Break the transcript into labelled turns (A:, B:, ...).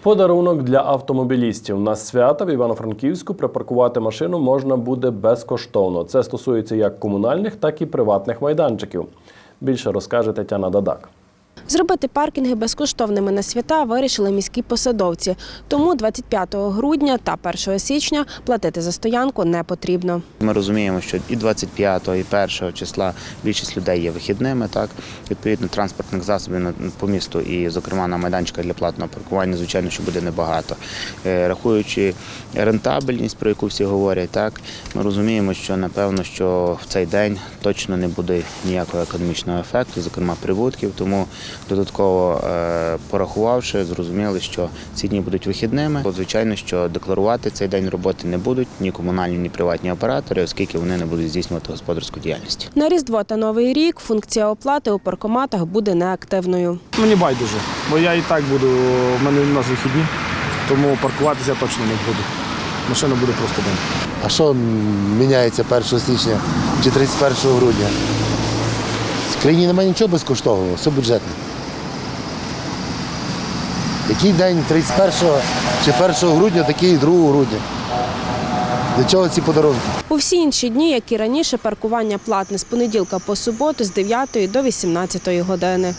A: Подарунок для автомобілістів. На свята в Івано-Франківську припаркувати машину можна буде безкоштовно. Це стосується як комунальних, так і приватних майданчиків. Більше розкаже Тетяна Дадак.
B: Зробити паркінги безкоштовними на свята вирішили міські посадовці. Тому 25 грудня та 1 січня платити за стоянку не потрібно.
C: Ми розуміємо, що і 25-го, і 1 числа більшість людей є вихідними. Так? Відповідно, транспортних засобів по місту і, зокрема, на майданчиках для платного паркування, звичайно, що буде небагато. Рахуючи рентабельність, про яку всі говорять, так, ми розуміємо, що, напевно, що в цей день точно не буде ніякого економічного ефекту, зокрема, прибутків, тому додатково порахувавши, зрозуміли, що ці дні будуть вихідними. Звичайно, що декларувати цей день роботи не будуть ні комунальні, ні приватні оператори, оскільки вони не будуть здійснювати господарську діяльність.
B: На Різдво та Новий рік функція оплати у паркоматах буде неактивною.
D: Мені байдуже, бо я і так буду, в мене у нас вихідні, тому паркуватися точно не буду. Машина буде просто день.
E: А що міняється 1 січня чи 31 грудня? В країні немає нічого безкоштовного, все бюджетне. Який день 31 чи 1 грудня, такий і 2 грудня. Для чого ці подарунки?
B: У всі інші дні, як і раніше, паркування платне з понеділка по суботу з 9 до 18 години.